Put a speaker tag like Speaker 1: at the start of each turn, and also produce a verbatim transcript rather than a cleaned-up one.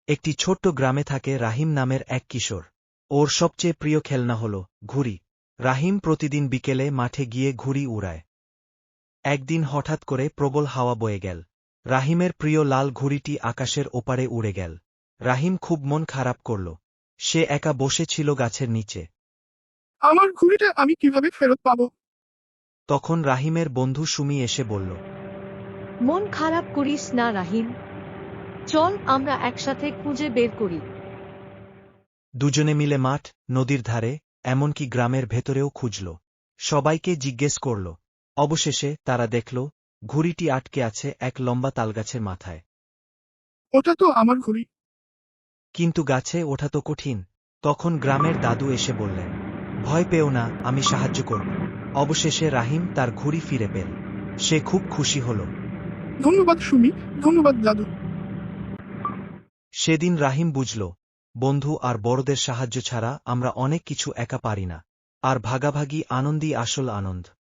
Speaker 1: একটি ছোট্ট গ্রামে থাকে রাহিম নামের এক কিশোর। ওর সবচেয়ে প্রিয় খেলনা হল ঘুড়ি। রাহিম প্রতিদিন বিকেলে মাঠে গিয়ে ঘুড়ি উড়ায়। একদিন হঠাৎ করে প্রবল হাওয়া বয়ে গেল। রাহিমের প্রিয় লাল ঘুড়িটি আকাশের ওপারে উড়ে গেল। রাহিম খুব মন খারাপ করল। সে একা বসে ছিল গাছের নিচে।
Speaker 2: আমার ঘুড়িটা আমি কিভাবে ফেরত পাবো?
Speaker 1: তখন রাহিমের বন্ধু সুমি এসে বলল,
Speaker 3: মন খারাপ করিস না রাহিম, চল আমরা একসাথে খুঁজে বের করি।
Speaker 1: দুজনে মিলে মাঠ, নদীর ধারে, এমনকি গ্রামের ভেতরেও খুঁজল। সবাইকে জিজ্ঞেস করল। অবশেষে তারা দেখল ঘুড়িটি আটকে আছে এক লম্বা তালগাছের মাথায়।
Speaker 2: ওটা তো আমার ঘুড়ি।
Speaker 1: কিন্তু গাছে ওঠা তো কঠিন। তখন গ্রামের দাদু এসে বললেন, ভয় পেও না, আমি সাহায্য করব। অবশেষে রাহিম তার ঘুড়ি ফিরে পেল। সে খুব খুশি হল।
Speaker 2: ধন্যবাদ সুমি, ধন্যবাদ দাদু।
Speaker 1: সেদিন রাহিম বুঝল, বন্ধু আর বড়দের সাহায্য ছাড়া আমরা অনেক কিছু একা পারি না। আর ভাগাভাগি আনন্দই আসল আনন্দ।